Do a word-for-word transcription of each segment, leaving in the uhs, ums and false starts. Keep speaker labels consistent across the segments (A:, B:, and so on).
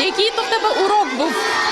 A: Який то в тебе урок був?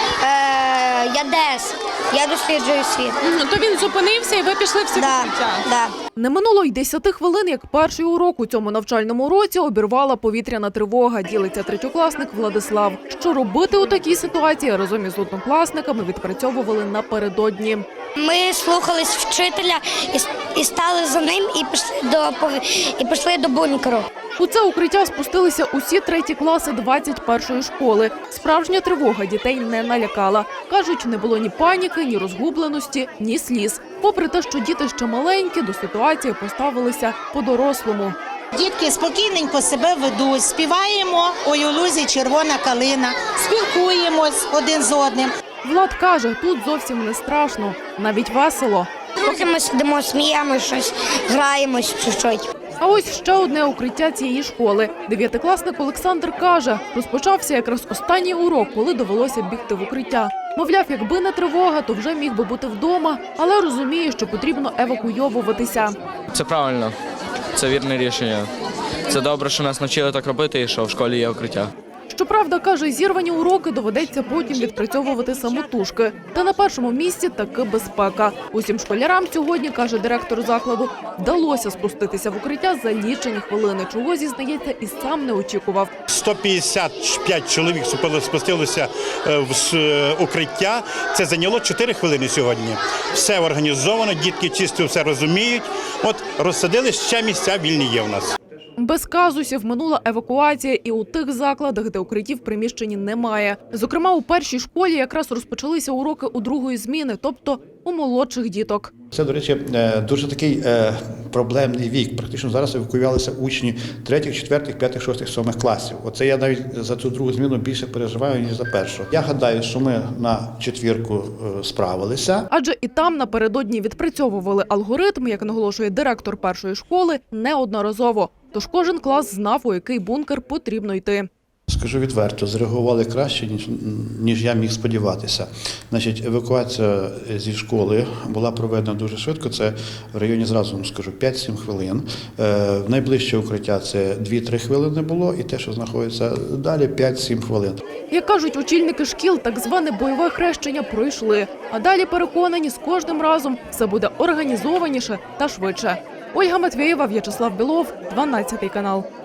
B: Е, я дес. Я досліджую світ.
A: Мгм, То він зупинився і ви пішли всі в
B: Да,
A: укриття?
B: да.
C: Не минуло й десяти хвилин, як перший урок у цьому навчальному році обірвала повітряна тривога, ділиться третьокласник Владислав. Що робити у такій ситуації, разом із однокласниками відпрацьовували напередодні.
B: Ми слухались вчителя і, і стали за ним і пішли до пов- і пішли до бункеру.
C: У це укриття спустилися усі треті класи двадцять першої школи. Справжня тривога дітей не налякала. Кажуть, не було ні паніки, ні розгубленості, ні сліз. Попри те, що діти ще маленькі, до ситуації поставилися по-дорослому.
D: Дітки спокійненько себе ведуть, співаємо «Ой, у лузі червона калина», спілкуємось один з одним.
C: Влад каже, тут зовсім не страшно, навіть весело.
B: Поки ми сидимо, сміємося, щось, граємось чуть-чуть.
C: А ось ще одне укриття цієї школи. Дев'ятикласник Олександр каже, розпочався якраз останній урок, коли довелося бігти в укриття. Мовляв, якби не тривога, то вже міг би бути вдома, але розуміє, що потрібно евакуйовуватися.
E: Це правильно, це вірне рішення. Це добре, що нас навчили так робити і що в школі є укриття.
C: Щоправда, каже, зірвані уроки доведеться потім відпрацьовувати самотужки. Та на першому місці таки безпека. Усім школярам сьогодні, каже директор закладу, вдалося спуститися в укриття за лічені хвилини, чого, зізнається, і сам не очікував.
F: сто п'ятдесят п'ять чоловік спустилося в укриття. Це зайняло чотири хвилини сьогодні. Все організовано, дітки чисто все розуміють. От розсадили, ще місця вільні є в нас.
C: Без казусів минула евакуація і у тих закладах, де укриттів в приміщенні немає. Зокрема, у першій школі якраз розпочалися уроки у другої зміни, тобто у молодших діток.
G: Це, до речі, дуже такий проблемний вік. Практично зараз евакуювалися учні третіх, четвертих, п'ятих, шостих, сьомих класів. Оце я навіть за цю другу зміну більше переживаю, ніж за першу. Я гадаю, що ми на четвірку справилися.
C: Адже і там напередодні відпрацьовували алгоритм, як наголошує директор першої школи, неодноразово. Тож кожен клас знав, у який бункер потрібно йти.
G: Скажу відверто, зреагували краще, ніж, ніж я міг сподіватися. Значить, евакуація зі школи була проведена дуже швидко, це в районі, зразу вам скажу, п'ять-сім хвилин. Е, найближче укриття це дві-три хвилини було, і те, що знаходиться далі, п'ять-сім хвилин.
C: Як кажуть очільники шкіл, так зване бойове хрещення пройшли. А далі переконані, з кожним разом все буде організованіше та швидше. Ольга Матвєєва, В'ячеслав Білов, дванадцятий канал.